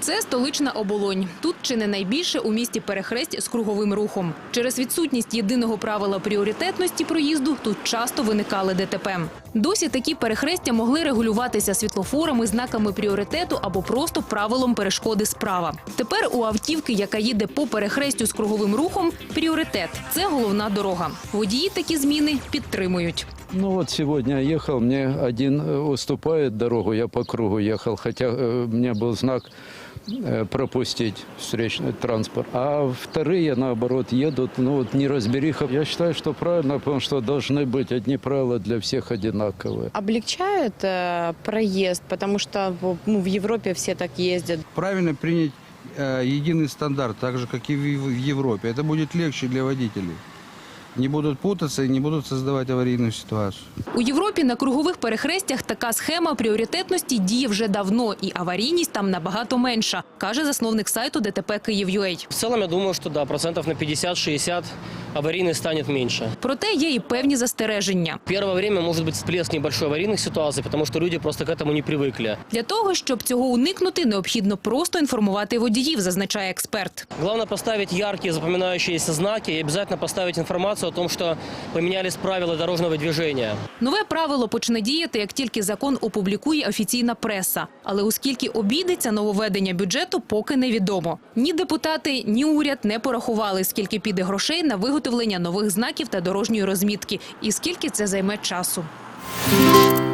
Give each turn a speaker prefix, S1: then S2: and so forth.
S1: Це столична Оболонь. Тут чи не найбільше у місті перехресть з круговим рухом. Через відсутність єдиного правила пріоритетності проїзду тут часто виникали ДТП. Досі такі перехрестя могли регулюватися світлофорами, знаками пріоритету або просто правилом перешкоди справа. Тепер у автівки, яка їде по перехрестю з круговим рухом, пріоритет – це головна дорога. Водії такі зміни підтримують.
S2: Ну вот сегодня я ехал, мне один уступает дорогу, я по кругу ехал, хотя у меня был знак пропустить встречный транспорт. А вторые, наоборот, едут, ну вот неразбериха. Я считаю, что правильно, потому что должны быть одни правила для всех одинаковые.
S3: Облегчает проезд, потому что в Европе все так ездят.
S4: Правильно принять единый стандарт, так же, как и в Европе. Это будет легче для водителей. Не будуть путатися і не будуть створювати аварійну ситуацію.
S1: У Європі на кругових перехрестях така схема пріоритетності діє вже давно, і аварійність там набагато менша, каже засновник сайту ДТП Київ.ua.
S5: В целом, я думаю, что да, процентов на 50-60 аварийных станет меньше.
S1: Проте є і певні застереження.
S5: Первое время может быть всплеск небольшой аварийных ситуаций, потому что люди просто к этому не привыкли.
S1: Для того, щоб цього уникнути, необхідно просто інформувати водіїв, зазначає експерт.
S5: Главное поставить яркие запоминающиеся знаки и обязательно поставить информацию о том, что поменялись правила дорожного движения.
S1: Нове правило почне діяти, як тільки закон опублікує офіційна преса. Але оскільки обійдеться нововведення бюджету, поки невідомо. Ні депутати, ні уряд не порахували, скільки піде грошей на виготовлення нових знаків та дорожньої розмітки і скільки це займе часу.